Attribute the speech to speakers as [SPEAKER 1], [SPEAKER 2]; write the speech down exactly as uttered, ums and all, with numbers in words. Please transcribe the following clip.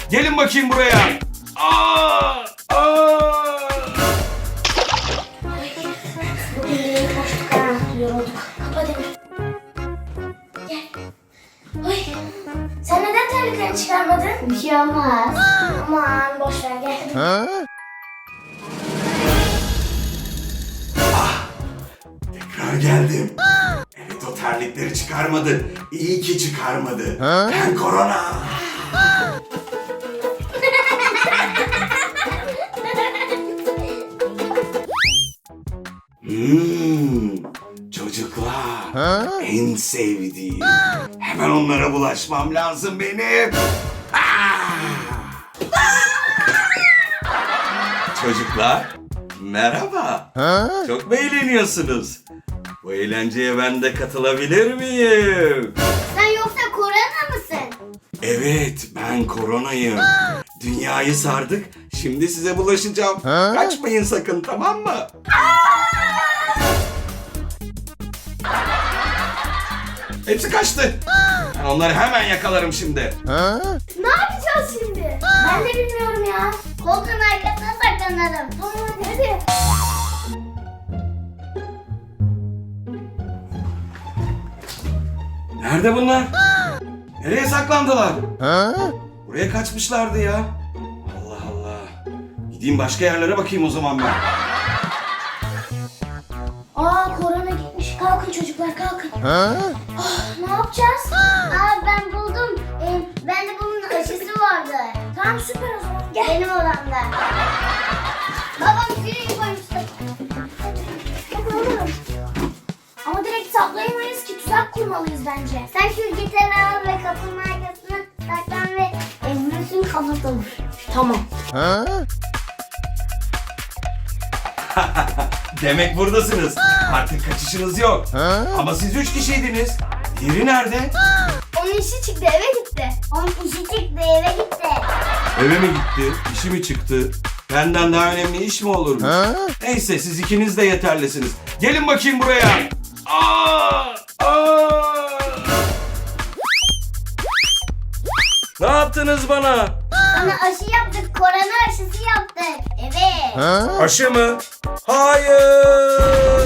[SPEAKER 1] Gelin bakayım buraya. Aa! Aa!
[SPEAKER 2] Bugün de yeni koştuk ha. Yorulduk. Kapa Demir. Gel. Ay. Sen neden terliklerini çıkarmadın? Bir şey olmaz. Aman boş ver gel.
[SPEAKER 1] Tekrar geldim. Evet, o terlikleri çıkarmadı. İyi ki çıkarmadı. Ben korona. Hmm, çocuklar en sevdiğim. Hemen onlara bulaşmam lazım benim. Ah! Çocuklar merhaba. Çok mu eğleniyorsunuz? Bu eğlenceye ben de katılabilir miyim?
[SPEAKER 2] Sen yoksa korona mısın?
[SPEAKER 1] Evet, ben koronayım. Dünyayı sardık. Şimdi size bulaşacağım. Kaçmayın sakın, tamam mı? Hepsi kaçtı. Ben onları hemen yakalarım şimdi.
[SPEAKER 2] Ne yapacağız şimdi? Ben de bilmiyorum ya. Koltuğun arkasına saklanalım. Tamam hadi hadi.
[SPEAKER 1] Nerede bunlar? Nereye saklandılar? Buraya kaçmışlardı ya. Allah Allah. Gideyim başka yerlere bakayım o zaman ben.
[SPEAKER 2] Aa korona gitmiş. Kalkın çocuklar kalkın. Oh, ne yapacağız? Aa ben buldum. Ee, ben de bunun aşısı vardı. Tamam süper o zaman. Gel. Benim odamda. Babam sürüyü koymuştu. Bakalım. Ama direkt saklayamayız ki, tuzak kurmalıyız bence. Sen şu gitarı al ve kapının arkasına saklan ve virüsün kapatalım. Tamam.
[SPEAKER 1] Demek buradasınız. Artık kaçışınız yok. Ama siz üç kişiydiniz. Diğeri nerede?
[SPEAKER 2] Onun işi çıktı eve gitti. Onun işi çıktı eve gitti.
[SPEAKER 1] Eve mi gitti? İşi mi çıktı? Benden daha önemli iş mi olurmuş? Neyse, siz ikiniz de yeterlisiniz. Gelin bakayım buraya. Aa! Aa! Ne yaptınız bana?
[SPEAKER 2] Sana aşı yaptık, korona aşısı yaptık. Evet.
[SPEAKER 1] Aşı mı? Hayır!